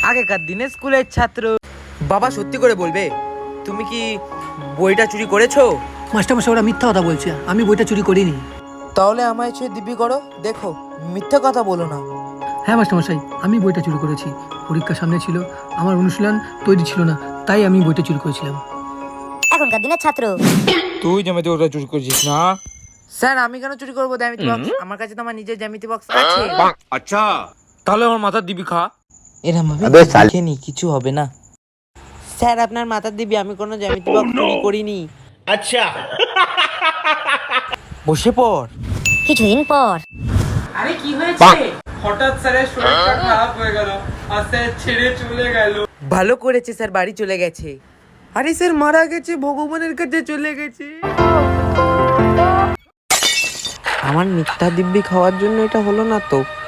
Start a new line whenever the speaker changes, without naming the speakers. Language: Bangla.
আগেকার দিনে স্কুলের ছাত্র। বাবা সত্যি করে বলবে, তুমি কি বইটা চুরি করেছো?
মাস্টারমশাই ওরা মিথ্যা কথা বলছে, আমি বইটা চুরি করিনি।
তাহলে আমায় ছুঁয়ে দিব্যি করো, দেখো মিথ্যা কথা বলো না।
হ্যাঁ মাস্টারমশাই, আমি বইটা চুরি করেছি। পরীক্ষা সামনে ছিল, আমার অনুশীলন তৈরি ছিল না, তাই আমি বইটা চুরি করেছিলাম।
এখনকার দিনের ছাত্র।
তুই জ্যামিতি বক্সটা চুরি করেছিস না?
স্যার আমি কেন চুরি করবো জ্যামিতি বক্স? আমার কাছে তো আমার নিজের জ্যামিতি বক্স আছে।
আচ্ছা, তাহলে আমার মাথার দিবি খা।
এরম ভাবে দেখেনি, কিছু হবে না। স্যার আপনার মাথার দিবি, আমি কোনো জ্যামিতি বক্স চুরি করিনি।
अच्छा
বসে পড়।
কিছুদিন পর
আরে কি হয়েছে? হঠাৎ স্যারের শরীরটা খারাপ হয়ে গেল আর স্যার ছেড়ে চলে গেল।
ভালো করেছে স্যার, বাড়ি চলে গেছে। আরে স্যার মারা গেছে, ভগবানের কাছে চলে গেছে। আমার মিথ্যা দিব্যি খাওয়ার জন্য এটা হলো না তো।